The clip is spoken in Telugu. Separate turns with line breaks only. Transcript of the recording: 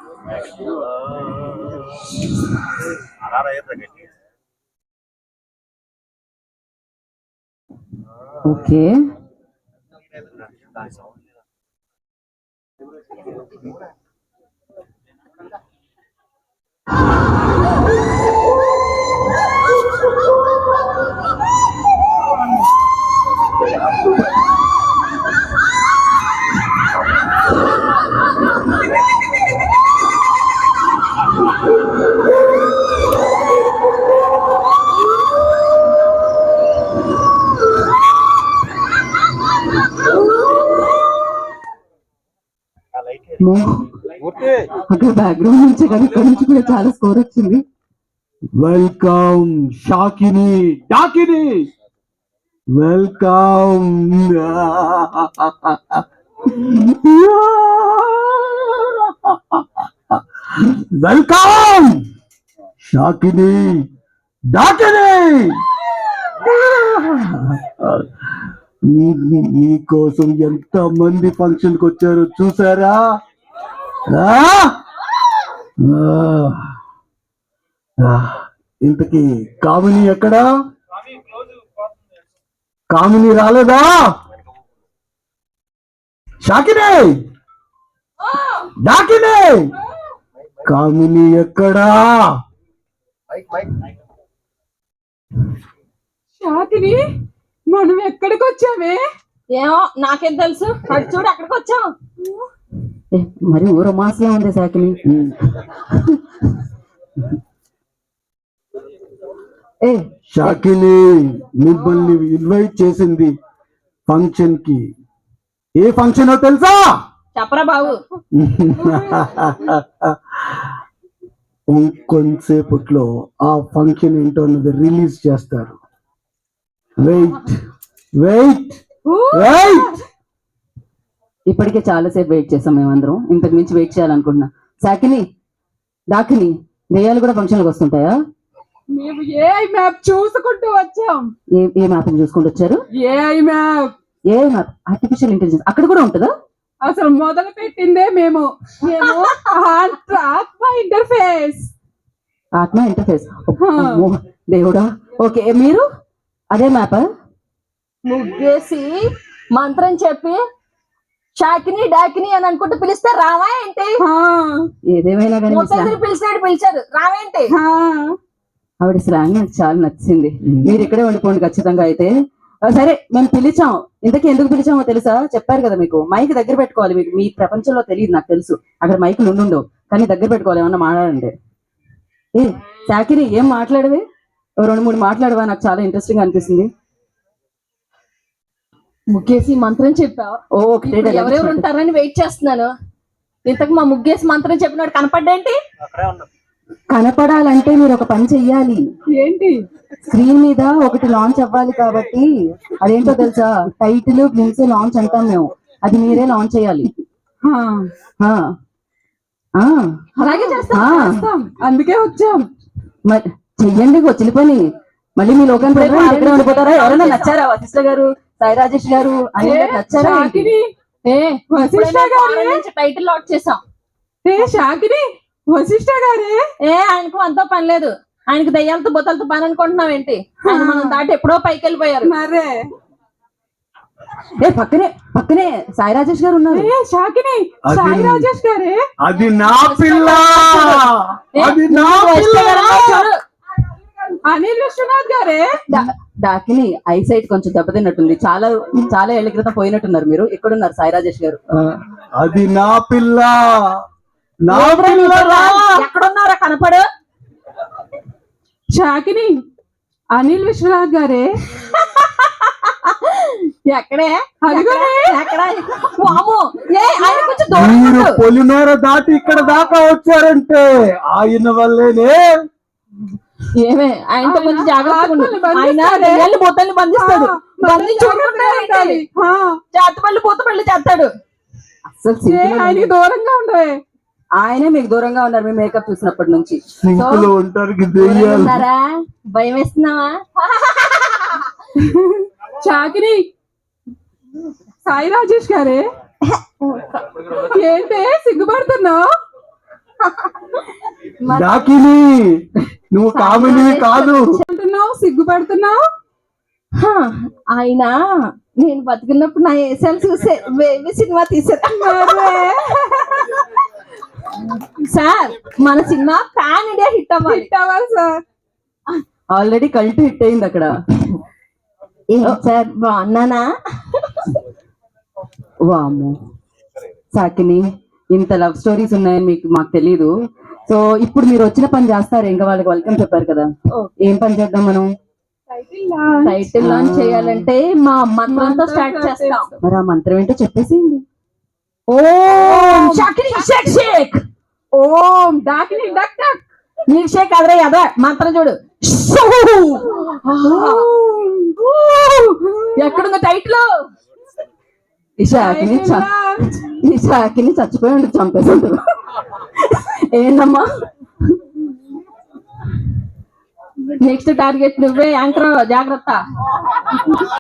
ఓకే, అక్కడ బ్యాక్గ్రౌండ్ నుంచి కానీ ఇక్కడ నుంచి కూడా చాలా స్కోర్ వచ్చింది. Welcome Shakini Dakini, welcome. Welcome Shakini Dakini. మీకోసం ఎంత మంది ఫంక్షన్ కి వచ్చారో చూసారా? ఇంతకీ కామిని ఎక్కడా? కామిని రాలేదా? షాకిని డాకిని, కామిని ఎక్కడా?
షాకిని, మనం ఎక్కడికి వచ్చామే?
ఏమో నాకేం తెలుసు. అటు చూడు, అక్కడికి వచ్చాం.
మరి ఊర మాసే ఉంది షాకిని.
షాకిని మిమ్మల్ని ఇన్వైట్ చేసింది ఫంక్షన్ కి. ఏ ఫంక్షన్ తెలుసా?
చెప్పరా బాబు.
కొంతసేపట్లో ఆ ఫంక్షన్ ఏంటో అన్నది రిలీజ్ చేస్తారు. Wait wait wait.
ఇప్పటికే చాలాసేపు వెయిట్ చేసాం మేమందరం. ఇంతకు మించి వెయిట్ చేయాలనుకుంటున్నా. షాకిని డాకిని, దెయ్యాలు కూడా ఫంక్షన్లకు వస్తుంటాయా?
మేము ఏఐ మ్యాప్ చూసుకుంటూ వచ్చాం.
ఏ మ్యాప్ చూసుకుంటూ వచ్చారు?
AI map.
ఏ మ్యాప్? ఆర్టిఫిషియల్ ఇంటెలిజెన్స్ అక్కడ కూడా ఉంటుందా?
అసలు మొదలు పెట్టిందే మేము. ఆత్మ ఇంటర్ఫేస్.
ఆత్మ ఇంటర్ఫేస్, దేవుడా. ఓకే, మీరు అదే మ్యాప్
ముగ్గేసి మంత్రం చెప్పి షాకిని డాకిని అని అనుకుంటూ పిలిస్తే రావా ఏంటి?
ఏదేమైనా కానీ
పిలిచారు రావేంటి?
ఆవిడ స్లాంగ్ నాకు చాలా నచ్చింది. మీరు ఇక్కడే ఉండిపోండి ఖచ్చితంగా. అయితే సరే, మేము పిలిచాం. ఇంతకీ ఎందుకు పిలిచామో తెలుసా? చెప్పారు కదా మీకు. మైక్ దగ్గర పెట్టుకోవాలి. మీకు మీ ప్రపంచంలో తెలియదు, నాకు తెలుసు. అక్కడ మైక్ నుండుండవు, కానీ దగ్గర పెట్టుకోవాలి. ఏమన్నా మాట్లాడండి. ఏ షాకిని, ఏం మాట్లాడవే? 2-3 మాట్లాడవా? నాకు చాలా ఇంట్రెస్టింగ్ అనిపిస్తుంది.
ముగ్గేసి మంత్రం చెప్పావు. ఎవరెవరు ఉంటారని వెయిట్ చేస్తున్నాను. ఇంతకు మా ముగ్గేసి మంత్రం చెప్పినాడు కనపడ్డేంటి?
కనపడాలంటే మీరు ఒక పని చెయ్యాలి.
ఏంటి?
స్క్రీన్ మీద ఒకటి లాంచ్ అవ్వాలి. కాబట్టి అదేంటో తెలుసా? టైటిల్ గ్లిమ్స్ లాంచ్ అంటాం మేము. అది మీరే లాంచ్ చేయాలి.
అలాగే చేస్తాం. అందుకే వచ్చాం.
మరి చెయ్యండి, వచ్చిన పని. మళ్ళీ మీ లోకానికి ఎక్కడ ఉండిపోతారా? ఎవరైనా నచ్చారా? వశిష్ఠ గారు, సాయి రాజేష్ గారు అని నచ్చారా?
టైటిల్ లాక్ చేసాం.
షాకిని, వశిష్ఠ గారే.
ఆయనకు అంతా పని లేదు. ఆయనకి దయ్యాలతో బొత్తలతో పని అనుకుంటున్నాం ఏంటి? ఆయన మనం దాటి ఎప్పుడో పైకి వెళ్ళిపోయారు.
మరే
పక్కనే సాయి రాజేష్ గారు ఉన్నారు.
షాకిని, సాయి రాజేష్ గారే.
అది నా పిల్ల.
అనిల్ విశ్వనాథ్ గారే.
డాకిని ఐసైట్ కొంచెం దెబ్బతిన్నట్టుంది. చాలా ఏళ్ల క్రితం పోయినట్టున్నారు మీరు. ఎక్కడున్నారు సాయి రాజేష్ గారు?
అది నా పిల్ల.
ఎక్కడున్నారా? కనపడు.
షాకిని, అనిల్ విశ్వనాథ్ గారే.
ఎక్కడే?
మీరు పొలిమేర దాటి ఇక్కడ దాకా వచ్చారంటే ఆయన వల్లేనే.
ఏమే ఆయనతో కొంచెం జాగ్రత్తగా. ఆయన బొత్తల్ని బంధిస్తాడు. చేతపల్లి పూతపల్లి చేస్తాడు.
అసలు
ఆయనకి దూరంగా ఉండవే.
ఆయనే మీకు దూరంగా ఉన్నారు. మీ మేకప్ చూసినప్పటి నుంచి.
భయం వేస్తున్నావా?
షాకిని, సాయి రాజేష్ గారే. ఏంటే సిగ్గుపడుతున్నావు?
డాకిని నువ్వు కామినివి కాదు.
అంటున్నావు, సిగ్గుపడుతున్నావు.
హా, ఆయన నేను బతికినప్పుడు నా ఏసాలు చూసే బేబీ సినిమా తీసారు సార్. మన సినిమా పాన్ ఇండియా హిట్ అవ్వాలి.
హిట్ అవ్వాలి సార్.
ఆల్రెడీ కల్ట్ హిట్ అయింది అక్కడ.
ఏం సార్ బాగున్నానా?
వాము సాకిని, ఇంత లవ్ స్టోరీస్ ఉన్నాయని మాకు తెలీదు. సో ఇప్పుడు మీరు వచ్చిన పని చేస్తారు, ఇంకా వాళ్ళకి వెల్కమ్ చెప్పారు కదా, ఏం పని చేద్దాం మనం?
టైటిల్ లాంచ్ చేయాలంటే మా మంత్రంతో స్టార్ట్ చేస్తాం.
మరి ఆ మంత్రం ఏంటో చెప్పేసేయండి.
ఓం షాకిని షేక్ షేక్.
ఓం డాకిని డక్ డక్.
నీకు షేక్ అదరే అదే మంత్రం చూడు. ఎక్కడుంది టైటిల్?
ఈ షాకిని చచ్చిపోయి ఉండి చంపేసి ఉంటుంది. ఏంటమ్మా?
నెక్స్ట్ టార్గెట్ నువ్వే యాంకర్, జాగ్రత్త.